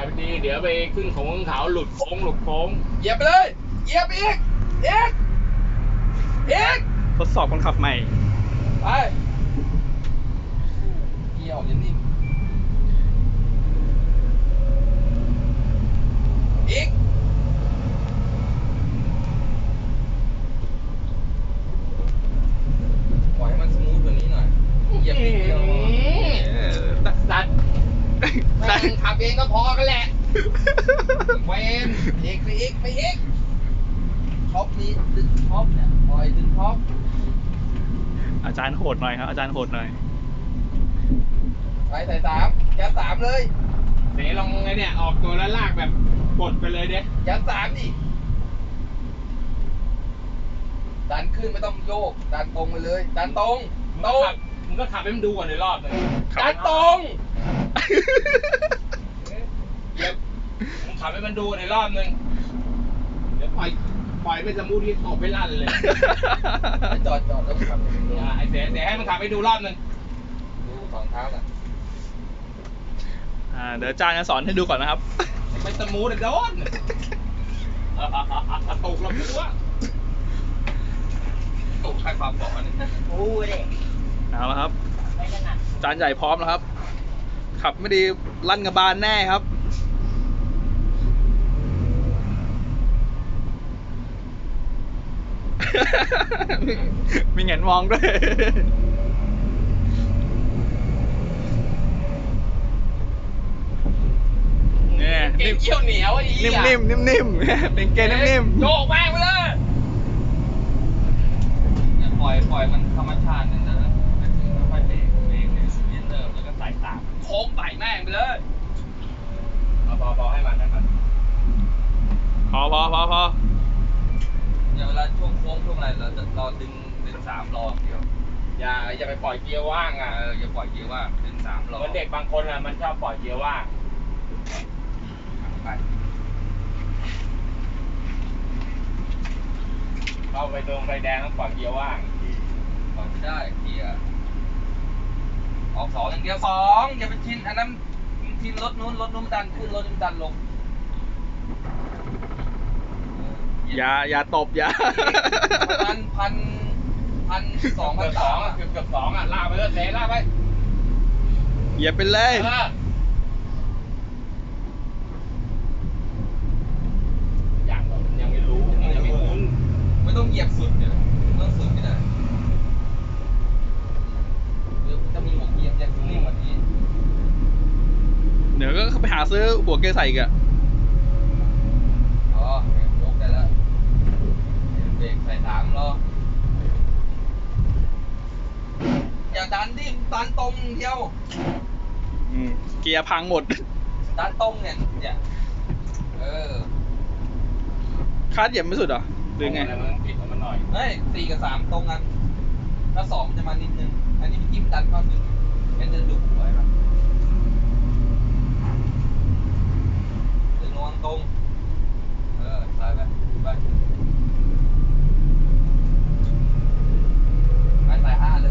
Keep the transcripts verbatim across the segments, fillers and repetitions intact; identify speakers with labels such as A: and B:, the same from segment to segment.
A: ไปดีเดี๋ยวไปขึ้นของขึ้นเขาหลุดโค้งหลุดโค้ง
B: เหยียบไปเลยเหยียบอีกอีกอีก
C: ทดสอบคนขับใหม่
B: ไปเกี่ยวอยังนิ่มอีกปล่อยให้มันสมูทกว่านี้หน่อยเหยียบนิดเดียวพอ
A: สัตว์แม่งขับเองก็พอกันแหละ
B: เวนอีกไปอีกไปอีกท็อปนี้ดึงท็อปเนี่ยปล่อยดึงท็อป
C: อาจารย์โหดหน่อยครับอาจารย์โหดหน่อย
B: ไปใส่สามยัดสามเลย
A: เดี๋ยวลองไงเนี่ยออกตัวแล้วลากแบบกดไปเลยเด้
B: ยัดสามดิดันขึ้นไม่ต้องโยกดันตรงไปเลยดันตรงตรง
A: มึงก็ขับให้มันดูก่อนในรอบหนึง
B: ดันตรง
A: เดี๋ยวมึงขับให้มันดูในรอบหนึงเดี๋ยวปล่อยปล่อยไปสมูทที่ตกไปลั่นเลย
B: จอดจอดแล้วขับ
A: อย่าไอ้เสียเสียให้มันขับให้ดูรอบหนึง
B: ดูสองเท้าน่ะ
C: อ่าเดี๋ยวอาจารย์จะสอนให้ดูก่อนนะครับ
A: ไม่สมูทเลยโดนตกแล้วมึงวะ
B: ตกใครความบอกอันนี้
A: โอ้ย
C: เอาละครับ
A: ไม่ถนัด
C: อาจารย์ใหญ่พร้อมแล้วครับ ขับไม่ดีลั่นกระบาลแน่ครับ มีมีเงนมองด้วย เนี่ย
A: เก่งเยี่ยวเหนียวไอ้
C: นิ่
A: เหี้
C: ม
A: ย
C: นิ่มนิ่มนิ่มๆเป็นเกมนิ่ม
A: โยกแม่งไปเลย
B: เนี่ยปล่อยปล่อยมันธรรมชาตินั่นนะไม่ถึงค่อยๆเบรกเบรกเนี่ยเรียนเริ่มแล้วก็ใส่ตามโค้งใส่แม่งไปเลย
A: เอาพอพอให้มันให้มัน
C: ๆพอพอพอพอ
B: เนี่ยเวลาช่วงโค้งช่วงอะไรเราจะรอดึงดึงสามรอเดียว
A: อย่าอย่าไปปล่อยเกียร์ว่างอ่ะ
B: เอออย่าปล่อยเกียร์ว่าดึงสามรอ
A: เหมือนเด็กบางคนอ่ะมันชอบปล่อยเกียร์ว่าง
B: ไป
A: เข้าไปตรงไฟแดงต้องปล่อยเกียร์ว่าง
B: ปล่อยไม่ได้เกียร์ออกสองอย่างเดียวสองอย่าไปชินอันนั้นชินรถนู้นรถนู้นดันขึ้นรถนี้ดันลง
C: อย่าอย่าตบอย่า
B: พันพันพันสองพั
A: เกื
B: น
A: อบส
B: สา
A: อง
B: ม
A: อ่ะ
B: อ่ะ
A: เกือบเกือบสองอ่ะลากไปเลยเสลากไป
C: เหยียบไปเลย
A: เอออย่างแบบยังไม่รู้ยังไม่คุ้น
B: ไม่ต้องเหยียบสุดเนี่ยไม่ต้องสุดไม่ได้เดี๋ยวจะมีหัวเกียร์จะนิ่งกว่านี้
C: เดี๋ยวก็ไปหาซื้อหัวเกยร์ใส่อีกอะ
B: อ๋อยกได้แล้วเบรกใส่สามรออย่าดันดิดันตรงเดียว
C: อืมเกียร์พังหมด
B: ดันตรงเนี่ยเนี่ยเออ
C: คาดเหยียบไม่สุดเหรอหรือไง
A: ะมันปิดของมันหน่อย
B: เฮ้ยสี่กับสามตรงกันถ้าสองมันจะมานิดนึงอันนี้มันจิ้มดันเข้าดึงแค่จะดุไว้ครับดึงระวังตรงเออสายไปไปไปสายห้าเลย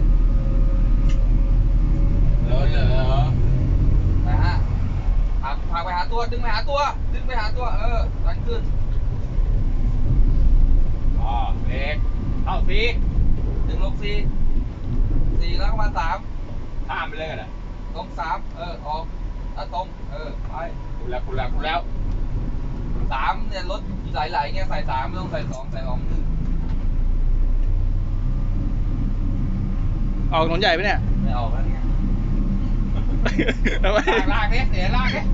A: เหรอเหรอ
B: สายห้าพาพาไปหาตัวดึงไปหาตัวดึงไปหาตัวเออดันขึ้น
A: อ๋อเบรกเข้าสี
B: ดึงลงสี่สี่แล้วก็มาสาม
A: ข้ามไปเลยกันอ่ะ
B: ลงสามเออออกแล้วตรงเออไป
A: กูแล้วกูแล้วกูแล้ว
B: สามเนี่ยรถไหลๆเงี้ยใส่สามไม่ต้องใส่สองใส่สองหนึ่ง
C: ออกถนนใหญ่ไหมเนี่ย
B: ไม่ออกแล้วเนี่ย
C: ทำไม
A: ลากลากเนี่ยเสียลากเนี่ย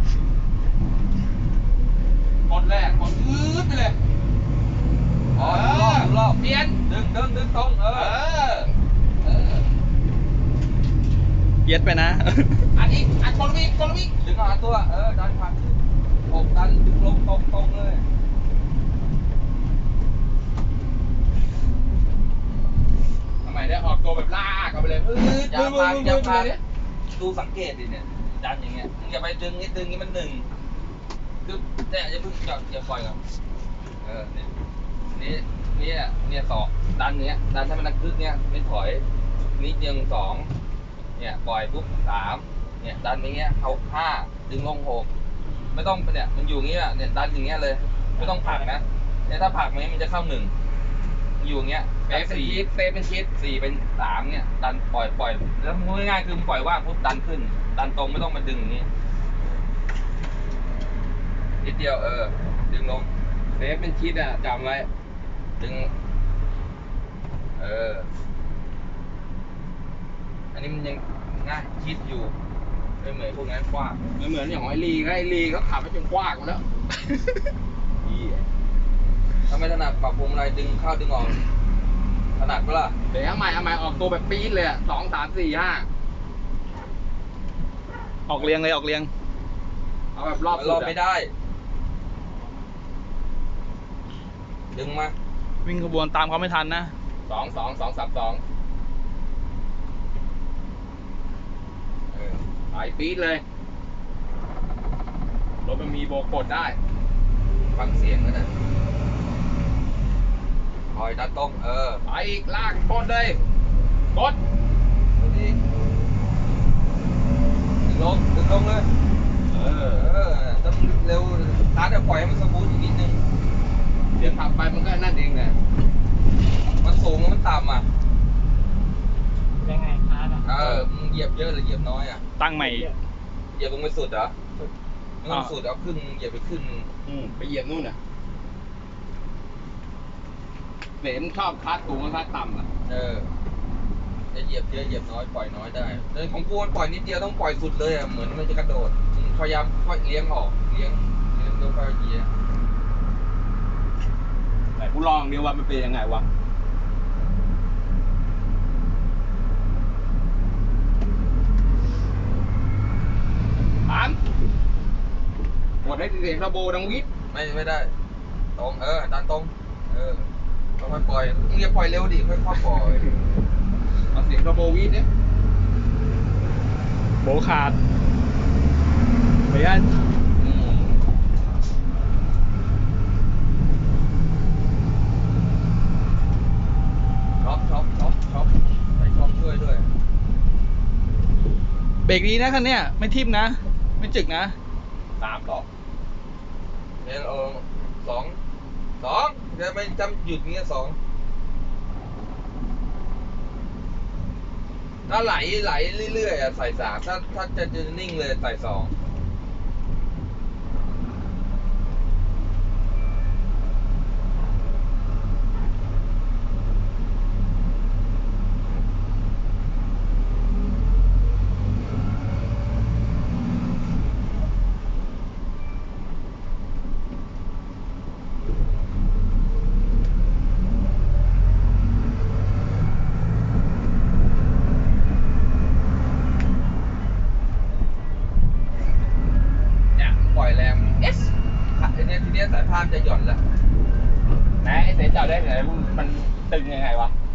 A: กดเลยกดอืดไปเลย
B: อ๋อดูรอบดูรอบ
A: เปลี่ยน
B: ดึงดึงดึงตรงเอ
A: เอ
B: อ
A: อ
B: เออ
C: เย็ดไปนะ
A: อันนี้อันคนวิ่งคนวิ่ง
B: ดึงหาตัวเออดันผ่านขึ้นอกดันดึงลงตรงตรงเลย
A: ทำไมได้ออกตัวแบบลากกันไปเลยอืด
B: อย่าพา
A: มื
B: อย่า
A: มื
B: พา
A: มืเนี่ย
B: ดูสังเกตดิเนี่ยดันอย่างเงี้ยมึงอย่าไปดึงนี่ดึงนี่มันหนึ่งคือเนี่ยอย่าเพิ่งจอดอย่าปล่อยก่อนเออเนี่ยนี่นี่อ่ะเนี่ยสองดันเนี้ยดันให้มันนักคึกเนี้ยไม่ถอยนิดยังสองเนี่ยปล่อยปุ๊บสามเนี่ยดันอย่างเงี้ยเอาห้าดึงลงหกไม่ต้องเนี่ยมันอยู่อย่างเงี้ยเนี่ยดันอย่างเงี้ยเลย ไม่ต้องผลักนะเนี่ยถ้าผลักมันมันจะเข้าหนึ่งอยู่อย่างเงี้ย
A: เซฟเป็น
B: สี่
A: ชิดเซฟเป็นชิด
B: สี่เป็นสามเนี่ยดันปล่อยปล่อยแล้วพูดง่ายๆคือปล่อยว่างปุ๊บดันขึ้น ดันตรงไม่ต้องมาดึงอย่างงี้นิดเดียวเออดึงลง
A: เซฟเป็นชิดอ่ะจำไว้
B: ดึงเอออันนี้มันยังง่ายคิดอยู่ไม่เหมือนพวกนั้นกว้าง
A: ไม่เหมือนอย่างไอ้ลีก็ไอ้ลีเขาขับไปจนกว้างหมดแล้ว เหี้ย
B: ถ้าไม่ถนัดปรับปรุงอะไรดึงเข้าดึงออกถนัดปะล่ะ
A: เดี๋ยวเอาใหม่เอาใหม่ออกตัวแบบปี๊ดเลยอ่ะสองสามสี่ห้า
C: ออกเรียงเลยออกเรียง
A: เอาแบบรอบ
B: มัน
A: สุ
B: ร
A: ด
B: อบ
A: อะ
B: ไม่ได้ ดึงมา
C: วิ่งขบวนตามเขาไม่ทันนะ
A: สองสองสองสามสอง
B: เออ
A: ไปปี๊ดเลยรถมันมีโบกดได้
B: ฟังเสียงแล้วนะคอยดันตรงเออ
A: ไปอีกลากกดเลยกด
B: ดูดีดึงลงดึงลงเลย
A: เอ
B: เอ
A: อ
B: อต้องเร็วสตาร์ทจะปล่อยให้มันสมูทอีกนิดนึง
A: เดี๋ยวขับไปมันก็นั่นเองแหละ
B: มันสูงแล้วมันต่ำอ่ะ
D: ยังไงคาร์ดอ่ะ
B: เออมึงเหยียบเยอะหรือเหยียบน้อยอ่ะ
C: ตั้งใหม่
B: เหยียบลงไปสุดเหรอไม่ต้องสุดเอาขึ้นเหยียบไปขึ้น
A: อืมไปเหยียบนู่นอ่ะเหลมชอบคัดสูงกับคัดต่ำอ่ะ
B: เออจะเหยียบเยอะเหยียบน้อยปล่อยน้อยได้แต่ของกูมันปล่อยนิดเดียวต้องปล่อยสุดเลยอ่ะเหมือนมันจะกระโดดมึงพยายามค่อยเลี้ยงออกเลี้ยงเลี้ยงตัวค่อยเหยียบ
A: แต่กูลองเดียวว่ามันเป็นยังไงวะสามกดให้เสียงระโบดังวิทย์
B: ไม่ไม่ได้ ตรงเออดันตรง เออค่อยๆปล่อยมึงอย่าปล่อยเร็วดิค่อยๆปล่อย
A: เอาเสียงระโบวิทย์เนี่ย
C: โบขาดไปยัน
A: อืม
B: ช็อปช็อปช็อปช็อปไปช็อปช่วยด้วย
C: เบรกดีนะคันเนี้ยไม่ทิ่มนะ ไม่จึกนะ
A: สามต่อ
B: เออสองสองจะไม่จำหยุดเงี้ยสองถ้าไหลไหลเรื่อยๆอ่ะใส่สามถ้าถ้าจะจะนิ่งเลยใส่สองเนี่ยปล่อยแรงเอสทีเนี้ยทีเนี้ยสายพานจะหย่อนแล้ว
A: ไหนไอ้เสียงจับได้ไหนมันตึงยังไงวะ